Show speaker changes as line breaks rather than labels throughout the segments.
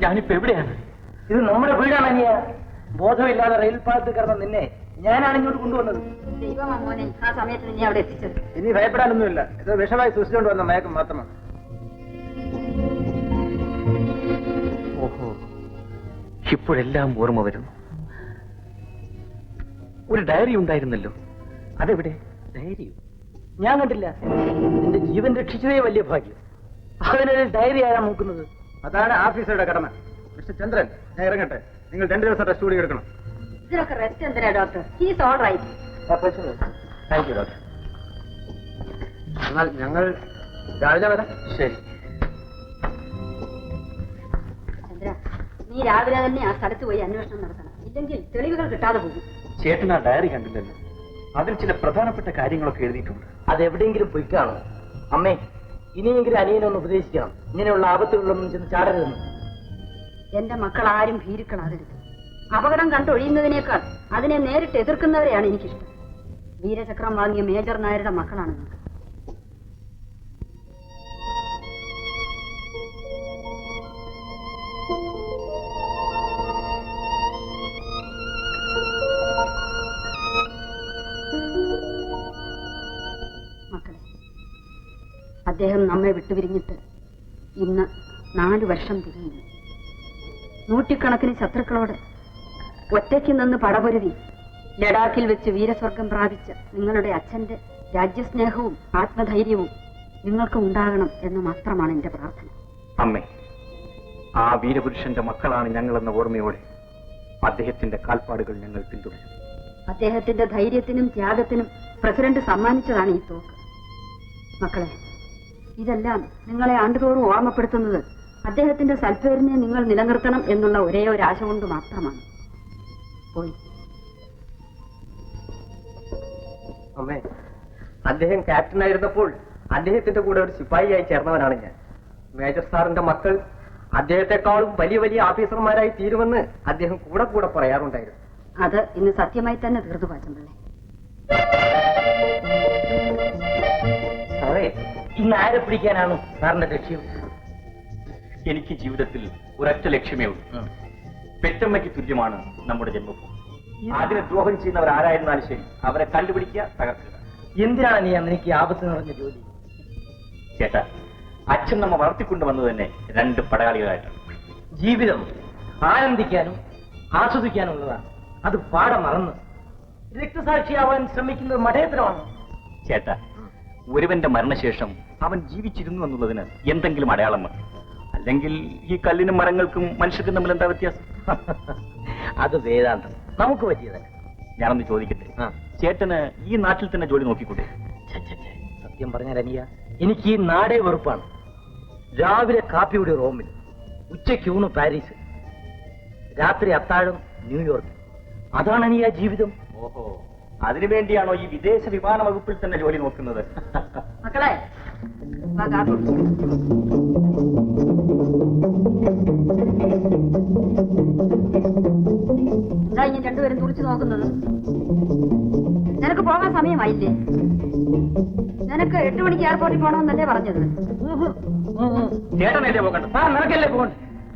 ഞാനിപ്പോ എവിടെയാണ്?
ഇത് നമ്മുടെ വീടാണ് അനിയ. ബോധമില്ലാതെ റെയിൽ പാലത്തിൽ കിടന്ന നിന്നെ ഞാനാണ് ഇങ്ങോട്ട് കൊണ്ടുവന്നത്.
ദൈവമാ മോനെ ആ സമയത്ത് നിന്നെ അവിടെ എത്തിച്ചത്.
ഇനി ഭയപ്പെടാനൊന്നുമില്ല. ഇത് വിഷമായി സൂക്ഷിച്ചുകൊണ്ട് വന്ന മയക്കം മാത്രമാണ്.
ഓഹോ, ഇപ്പോഴെല്ലാം ഓർമ്മ വരുന്നു. ഒരു ഡയറി ഉണ്ടായിരുന്നല്ലോ, അതെവിടെ?
ഡയറിയോ? ഞാൻ കണ്ടില്ല. നിന്റെ ജീവൻ രക്ഷിച്ചതേ വലിയ ഭാഗ്യം. അതിനൊരു ഡയറി ആരാ നോക്കുന്നത്? അതാണ് ഓഫീസറുടെ കടമ. മിസ്റ്റർ ചന്ദ്രൻ, ഞാൻ ഇറങ്ങട്ടെ. നിങ്ങൾ 2 ദിവസം റെസ്റ്റ് കൂടി എടുക്കണം.
ഇതിനൊക്കെ റെസ്റ്റ് എന്തിനാ doctor? He's all right.
Thank you doctor. എന്നാൽ ഞങ്ങൾ രാവിലെ വരാം. ശരി.
ചന്ദ്ര, നീ രാവിലെ തന്നെ ആ സ്ഥലത്ത് പോയി അന്വേഷണം നടത്തണം. ഇല്ലെങ്കിൽ തെളിവുകൾ കിട്ടാതെ പോകും.
ചേട്ടൻ ആ ഡയറി കണ്ടില്ലല്ലോ. അതിൽ ചില പ്രധാനപ്പെട്ട കാര്യങ്ങളൊക്കെ എഴുതിയിട്ടുണ്ട്.
അതെവിടെയെങ്കിലും പോയി കാണും. അമ്മേ, ഇനിയെങ്കിലും അനിയനൊന്ന് ഉപദേശിക്കണം. ഇങ്ങനെയുള്ള ആപത്തുകളിലൊന്നും ചെന്ന് ചാടരുതെന്ന്.
എന്റെ മക്കൾ ആരും ഭീരുക്കളാകരുത്. അപകടം കണ്ടൊഴിയുന്നതിനേക്കാൾ അതിനെ നേരിട്ട് എതിർക്കുന്നവരെയാണ് എനിക്കിഷ്ടം. വീരചക്രം വാങ്ങിയ മേജർ നായരുടെ മക്കളാണ് നിങ്ങൾ. മക്കളെ, അദ്ദേഹം നമ്മെ വിട്ടുപിരിഞ്ഞിട്ട് ഇന്ന് 4 വർഷം തിരിയുന്നു. നൂറ്റിക്കണക്കിന് ശത്രുക്കളോട് ഒറ്റയ്ക്ക് നിന്ന് പടപൊരുതി ലഡാക്കിൽ വെച്ച് വീരസ്വർഗം പ്രാപിച്ച നിങ്ങളുടെ അച്ഛന്റെ രാജ്യസ്നേഹവും ആത്മധൈര്യവും നിങ്ങൾക്ക് ഉണ്ടാകണം എന്ന് മാത്രമാണ് എന്റെ പ്രാർത്ഥന.
അമ്മേ, ആ വീരപുരുഷന്റെ മക്കളാണ് ഞങ്ങളെന്ന ഓർമ്മയോടെ അദ്ദേഹത്തിന്റെ കാൽപ്പാടുകൾ ഞങ്ങൾ പിന്തുടരും.
അദ്ദേഹത്തിന്റെ ധൈര്യത്തിനും ത്യാഗത്തിനും പ്രസിഡന്റ് സമ്മാനിച്ചതാണ് ഈ തോക്ക്. മക്കളെ, ഇതെല്ലാം നിങ്ങളെ ആണ്ടുതോറും ഓർമ്മപ്പെടുത്തുന്നത് അദ്ദേഹത്തിന്റെ സൽപ്പേരിനെ നിങ്ങൾ നിലനിർത്തണം എന്നുള്ള ഒരേ ഒരു ആശ കൊണ്ട് മാത്രമാണ്. പോയി.
അമ്മേ, അദ്ദേഹം ക്യാപ്റ്റൻ ആയിരുന്നപ്പോൾ അദ്ദേഹത്തിന്റെ കൂടെ ഒരു സിപ്പാഹിയായി ചേർന്നവനാണ് ഞാൻ. മേജർ സാറിന്റെ മക്കൾ അദ്ദേഹത്തെക്കാളും വലിയ വലിയ ഓഫീസർമാരായി തീരുമെന്ന് അദ്ദേഹം കൂടെ കൂടെ പറയാറുണ്ടായിരുന്നു.
അത് ഇന്ന് സത്യമായി തന്നെ തീർന്നു പാച്ചമ്പിള്ളേ.
സാറേ, ഇന്ന് ആരെ പിടിക്കാനാണ് സാറിന്റെ ലക്ഷ്യം?
എനിക്ക് ജീവിതത്തിൽ ഒരൊറ്റ ലക്ഷ്യമേ ഉള്ളൂ. പെറ്റമ്മയ്ക്ക് തുല്യമാണ് നമ്മുടെ ജന്മഭൂമി. അതിനെ ദ്രോഹം ചെയ്യുന്നവർ ആരായിരുന്നാലും ശരി, അവരെ കണ്ടുപിടിക്കുക, തകർക്കുക.
എന്തിനാണ് നീ നിനക്ക് ആപത്ത് നിറഞ്ഞ ജോലി?
ചേട്ടാ, അച്ഛൻ നമ്മ വളർത്തിക്കൊണ്ടുവന്നത് തന്നെ 2 പടയാളികളായിട്ടാണ്.
ജീവിതം ആനന്ദിക്കാനും ആസ്വദിക്കാനുള്ളതാണ്. അത് പാടെ മറന്ന് രക്തസാക്ഷിയാവാൻ ശ്രമിക്കുന്നത് മഠേതരമാണ്.
ചേട്ടാ, ഒരുവന്റെ മരണശേഷം അവൻ ജീവിച്ചിരുന്നു എന്നുള്ളതിന് എന്തെങ്കിലും അടയാളം വേണം. അല്ലെങ്കിൽ ഈ കല്ലിനും മരങ്ങൾക്കും മനുഷ്യർക്കും തമ്മിൽ എന്താ വ്യത്യാസം?
അത് വേദാന്തം, നമുക്ക് പറ്റിയതല്ല.
ഞാനൊന്ന് ചോദിക്കട്ടെ, ചേട്ടന് ഈ നാട്ടിൽ തന്നെ ജോലി നോക്കിക്കൂടെ?
സത്യം പറഞ്ഞാൽ അനിയ, എനിക്ക് ഈ നാടേ വെറുപ്പാണ്. രാവിലെ കാപ്പിയുടെ റോമിൽ, ഉച്ചയ്ക്ക് ഊണ് പാരീസ്, രാത്രി അത്താഴം ന്യൂയോർക്ക്. അതാണ് അനിയ ജീവിതം.
ഓഹോ, അതിനുവേണ്ടിയാണോ ഈ വിദേശ വിമാന വകുപ്പിൽ തന്നെ ജോലി നോക്കുന്നത്?
മക്കളെ, എന്താ ഇനി രണ്ടുപേരും തുളിച്ചു നോക്കുന്നത്? നിനക്ക് പോകാൻ സമയമായില്ലേ? നിനക്ക് 8 മണിക്ക് എയർപോർട്ടിൽ പോകണമെന്നല്ലേ പറഞ്ഞത്?
ചേട്ടനല്ലേ പോകണ്ട,
നിനക്കല്ലേ പോകണ്ട.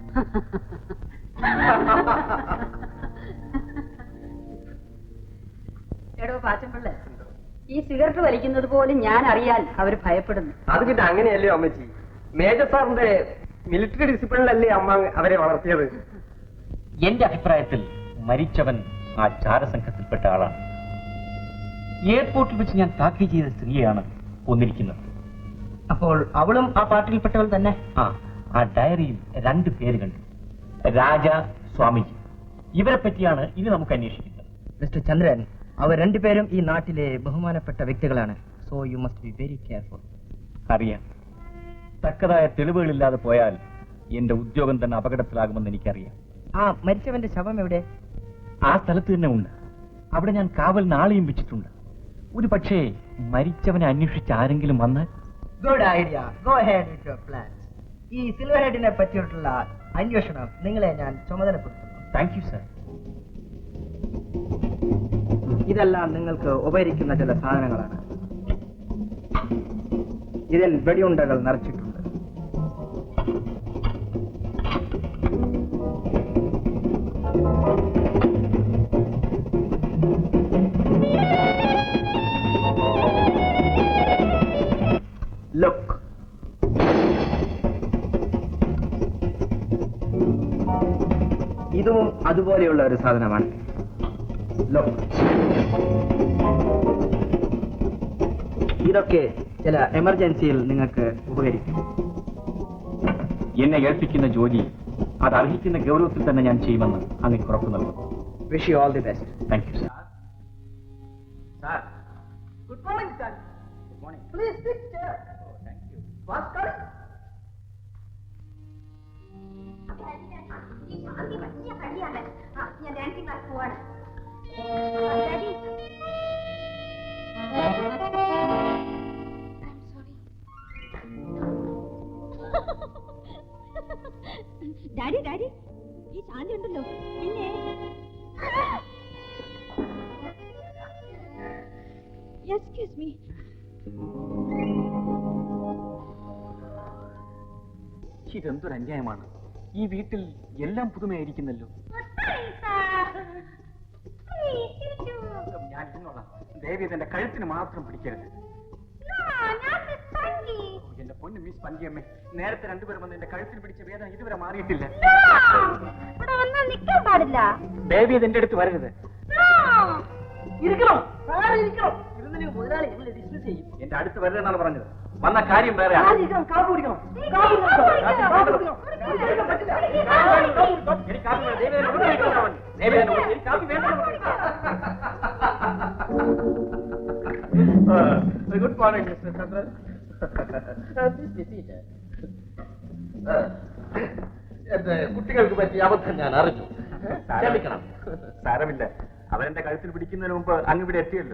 എടോ പാച്ചമ്പിള്ളേ, ഈ സിഗരറ്റ് വലിക്കുന്നത് പോലും ഞാൻ അറിയാൻ അവർ ഭയപ്പെടുന്നു.
അത് പിന്നെ അങ്ങനെയല്ലേ അമ്മച്ചി? മേജർ സാറിന്റെ മിലിറ്ററി ഡിസിപ്ലിനിലല്ലേ അമ്മ അവരെ വളർത്തിയത്?
എന്റെ അഭിപ്രായത്തിൽ മരിച്ചവൻ ആ ചാരസംഘത്തിൽപ്പെട്ട ആളാണ്. എയർപോർട്ടിൽ വെച്ച് ഞാൻ താക്കീത് ചെയ്ത സ്ത്രീയാണ് കൊന്നിരിക്കുന്നത്.
അപ്പോൾ അവളും ആ പാർട്ടിയിൽപ്പെട്ടവൾ തന്നെ?
ആ ഡയറിയിൽ 2 പേര് കണ്ടു, രാജ, സ്വാമിജി. ഇവരെ പറ്റിയാണ് ഇനി നമുക്ക് അന്വേഷിക്കുന്നത്.
മിസ്റ്റർ ചന്ദ്രൻ, അവർ 2 പേരും ഈ നാട്ടിലെ ബഹുമാനപ്പെട്ട വ്യക്തികളാണ്. So you must be very careful.
അറിയാം, തക്കതായ തെളിവുകളില്ലാതെ പോയാൽ എന്റെ ഉദ്യോഗം തന്നെ അപകടത്തിലാകുമെന്ന് എനിക്കറിയാം.
ആ മരിച്ചവന്റെ ശവം എവിടെ?
ആ സ്ഥലത്ത് തന്നെ ഉണ്ട്. അവിടെ ഞാൻ കാവലിന് ആളെയും വെച്ചിട്ടുണ്ട്. ഒരു പക്ഷേ മരിച്ചവനെ അന്വേഷിച്ച് ആരെങ്കിലും വന്നാൽ?
Good idea. Go head with your plan. ഈ സിൽവർ ഹെഡിനെ പറ്റിയിട്ടുള്ള അന്വേഷണം നിങ്ങളെ ഞാൻ ചുമതലപ്പെടുത്തുന്നു.
Thank you sir.
ഇതെല്ലാം നിങ്ങൾക്ക് ഉപകരിക്കുന്ന ചില സാധനങ്ങളാണ്. ഇതിൽ വെടിയുണ്ടകൾ നിറച്ചിട്ടുണ്ട്. ലുക്ക്. ഇതും അതുപോലെയുള്ള ഒരു സാധനമാണ്. ലുക്ക്. ഇതൊക്കെ ചില എമർജൻസിയിൽ നിങ്ങൾക്ക് ഉപകരിക്കും.
എന്നെ ഏൽപ്പിക്കുന്ന ജോലി അത് അർഹിക്കുന്ന ഗൗരവത്തിൽ തന്നെ ഞാൻ ചെയ്യുമെന്ന് അങ്ങ് ഉറപ്പു നൽകുന്നു.
Wish you all the best.
Thank you sir.
Sir, good morning sir.
Good morning.
Please sit here.
Thank you.
Fast cut.
ഞാൻ ഡാൻസിംഗ് ക്ലാസ് പോവാണ്. ഡാഡി ഡാഡി ഈ ശാന്തി ഉണ്ടല്ലോ പിന്നെ എക്സ്ക്യൂസ് മീ.
ഇതെന്തൊരു അന്യായമാണ്. ഈ വീട്ടിൽ എല്ലാം പുതുമയായിരിക്കുന്നല്ലോ. ഞാൻ ഇരുന്നോളാം. ദേവി എന്റെ കഴുത്തിന് മാത്രം പിടിക്കരുത്. എന്റെ പൊന്ന് മിസ് പന്തിയമ്മേ, നേരത്തെ രണ്ടുപേരും വന്ന് എന്റെ കഴുത്തിന് പിടിച്ച വേദന ഇതുവരെ മാറിയിട്ടില്ല.
നിൽക്കാൻ പാടില്ല.
ദേവി അത് എന്റെ അടുത്ത് വരരുത്. എന്റെ അടുത്ത് വരരുതെന്നാണ് പറഞ്ഞത്. വന്ന കാര്യം വേറെ. എനിക്ക് കാപ്പി വേണം. ദേവി എനിക്ക് കാപ്പി വേണ്ട.
Good morning mister Chandran. എന്റെ കുട്ടികൾക്ക് പറ്റിയ അബദ്ധം ഞാൻ അറിഞ്ഞു. ക്ഷമിക്കണം.
സാരമില്ല. അവരെന്റെ കഴുത്തിൽ പിടിക്കുന്നതിന് മുമ്പ് അങ്ങ് ഇവിടെ എത്തിയല്ലോ.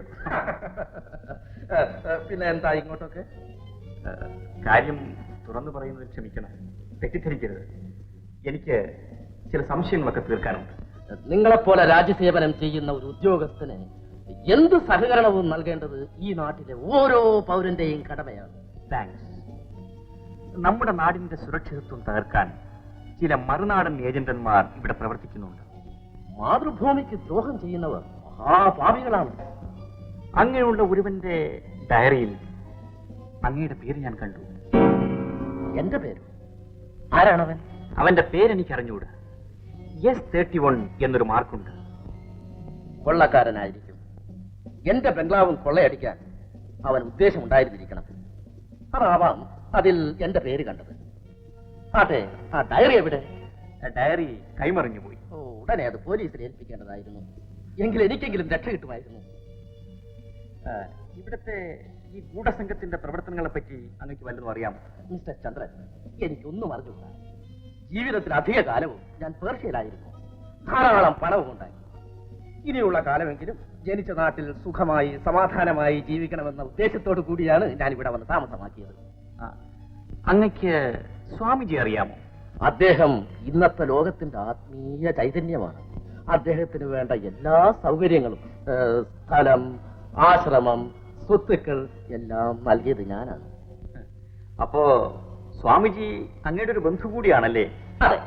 പിന്നെ എന്താ ഇങ്ങോട്ടൊക്കെ?
കാര്യം തുറന്നു പറയുന്നത് ക്ഷമിക്കണം, തെറ്റിദ്ധരിക്കരുത്. എനിക്ക് ചില സംശയങ്ങളൊക്കെ തീർക്കാനുണ്ട്.
നിങ്ങളെപ്പോലെ രാജ്യസേവനം ചെയ്യുന്ന ഒരു ഉദ്യോഗസ്ഥന് എന്ത് സഹകരണവും നൽകേണ്ടത് ഈ നാട്ടിലെ ഓരോ പൗരന്റെയും കടമയാണ്.
താങ്ക്സ്. നമ്മുടെ നാടിന്റെ സുരക്ഷിതത്വം തകർക്കാൻ ചില മറുനാടൻ ഏജന്റന്മാർ ഇവിടെ പ്രവർത്തിക്കുന്നുണ്ട്.
മാതൃഭൂമിക്ക് ദ്രോഹം ചെയ്യുന്നവർ മഹാപാപികളാണ്.
അങ്ങനെയുള്ള ഒരുവന്റെ ഡയറിയിൽ അങ്ങയുടെ പേര് ഞാൻ കണ്ടു.
എന്റെ പേര്? ആരാണവൻ?
അവന്റെ പേരെനിക്ക് അറിഞ്ഞുകൂടാ. S31 എന്നൊരു മാർക്കുണ്ട്.
കൊള്ളക്കാരനായിരിക്കും. എന്റെ ബംഗ്ലാവും കൊള്ളയടിക്കാൻ അവൻ ഉദ്ദേശമുണ്ടായിരുന്നിരിക്കണം. അതാവാം അതിൽ എന്റെ പേര് കണ്ടത്. ആട്ടെ, ആ ഡയറി എവിടെ?
ഡയറി കൈമറിഞ്ഞു പോയി.
ഓ, ഉടനെ അത് പോലീസിൽ ഏൽപ്പിക്കേണ്ടതായിരുന്നു. എങ്കിൽ എനിക്കെങ്കിലും രക്ഷ കിട്ടുമായിരുന്നു.
ഇവിടുത്തെ ഈ ഗൂഢസംഘത്തിന്റെ പ്രവർത്തനങ്ങളെ പറ്റി അങ്ങക്ക് വല്ലതും അറിയാമോ?
മിസ്റ്റർ ചന്ദ്രൻ, എനിക്കൊന്നും അറിഞ്ഞുകൂടാ. ജീവിതത്തിൽ അധിക കാലവും ഞാൻ പേർഷ്യയിലായിരുന്നു. ധാരാളം പണവും ഉണ്ടായി. ഇനിയുള്ള കാലമെങ്കിലും ജനിച്ച നാട്ടിൽ സുഖമായി സമാധാനമായി ജീവിക്കണമെന്ന ഉദ്ദേശത്തോടു കൂടിയാണ് ഞാൻ ഇവിടെ വന്ന് താമസമാക്കിയത്.
അങ്ങക്ക് സ്വാമിജി അറിയാമോ?
അദ്ദേഹം ഇന്നത്തെ ലോകത്തിന്റെ ആത്മീയ ചൈതന്യമാണ്. അദ്ദേഹത്തിന് വേണ്ട എല്ലാ സൗകര്യങ്ങളും, സ്ഥലം, ആശ്രമം, സ്വത്തുക്കൾ എല്ലാം നൽകിയത് ഞാനാണ്.
അപ്പോ സ്വാമിജി അങ്ങയുടെ ഒരു ബന്ധു കൂടിയാണല്ലേ?
അതെ.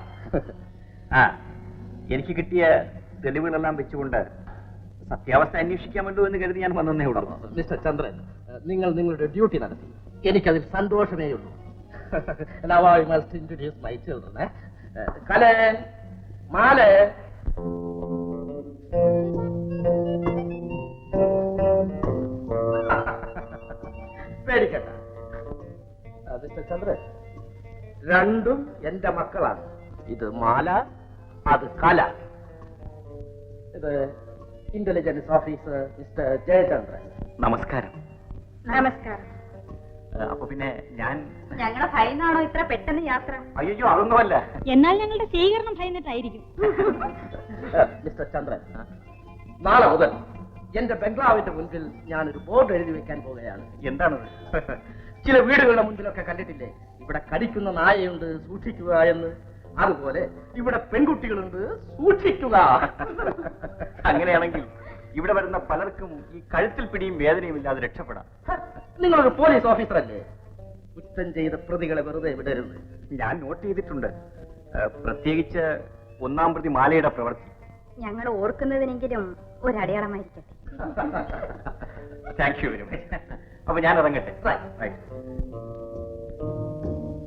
എനിക്ക് കിട്ടിയ തെളിവുകളെല്ലാം വെച്ചുകൊണ്ട് സത്യാവസ്ഥ അന്വേഷിക്കാമല്ലോ എന്ന് കരുതി ഞാൻ വന്നേ ഉള്ളൂ.
മിസ്റ്റർ ചന്ദ്രൻ, നിങ്ങൾ നിങ്ങളുടെ ഡ്യൂട്ടി നടത്തി. എനിക്കതിൽ സന്തോഷമേ ഉള്ളൂ. Now I must introduce my children. Kale, Male. പേടിക്കണ്ട മിസ്റ്റർ ചന്ദ്രൻ, രണ്ടും എന്റെ മക്കളാണ്. ഇത് മാല, അത് കല. ഇത് ഇന്റലിജൻസ് ഓഫീസർ മിസ്റ്റർ ജയചന്ദ്രൻ.
നമസ്കാരം.
നമസ്കാരം.
അപ്പൊ പിന്നെ
ഞങ്ങളെ ഭയന്നാണോ ഇത്ര പെട്ടെന്ന് യാത്ര?
അയ്യോ, അതൊന്നുമല്ല.
എന്നാൽ ഞങ്ങളുടെ സ്വീകരണം ഭയന്നിട്ടായിരിക്കും.
മിസ്റ്റർ ചന്ദ്രൻ, നാളെ മുതൽ എന്റെ ബംഗ്ലാവിന്റെ മുൻപിൽ ഞാനൊരു ബോർഡ് എഴുതി വെക്കാൻ പോവുകയാണ്.
എന്താണത്?
ചില വീടുകളുടെ മുൻപിലൊക്കെ കണ്ടിട്ടില്ലേ, ഇവിടെ കടിക്കുന്ന നായയുണ്ട്, സൂക്ഷിക്കുക എന്ന്. അതുപോലെ ഇവിടെ പെൺകുട്ടികളുണ്ട്, സൂക്ഷിക്കുക.
അങ്ങനെയാണെങ്കിൽ ഇവിടെ വരുന്ന പലർക്കും ഈ കഴുത്തിൽ പിടിയും വേദനയും ഇല്ലാതെ രക്ഷപ്പെടാം.
നിങ്ങളൊരു പോലീസ് ഓഫീസറല്ലേ? കുറ്റം ചെയ്ത പ്രതികളെ വെറുതെ വിടരുത്.
ഞാൻ നോട്ട് ചെയ്തിട്ടുണ്ട്, പ്രത്യേകിച്ച് ഒന്നാം പ്രതി മാലയുടെ പ്രവൃത്തി.
ഞങ്ങൾ ഓർക്കുന്നതിനെങ്കിലും ഒരടയാളമായിരിക്കട്ടെ.
Thank you very much. അപ്പൊ ഞാൻ ഇറങ്ങട്ടെ.
Right.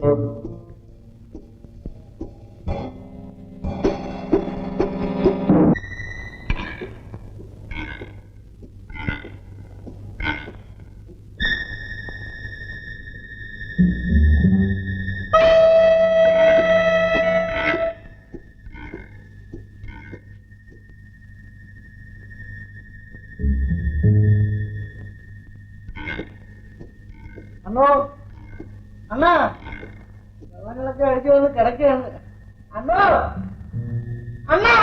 അണ്ണോ അണ്ണാ വെള്ളങ്ങളൊക്കെ അടിച്ചു വന്ന് കിടക്കുകയാണ്. അണ്ണോ അണ്ണാ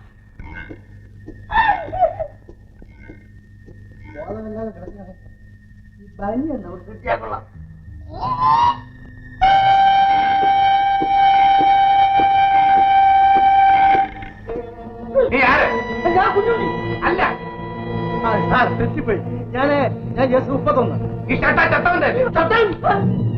ബോധമില്ലാതെ കിടക്കുകയാണ്. ഈ പനിയുണ്ട് അവിടെ കിട്ടിയാ കൊള്ളാം. ഞാൻ കുഞ്ഞുണ്ണി അല്ല. തെറ്റിപ്പോയി. ഞാൻ ജസ്റ്റ് 31.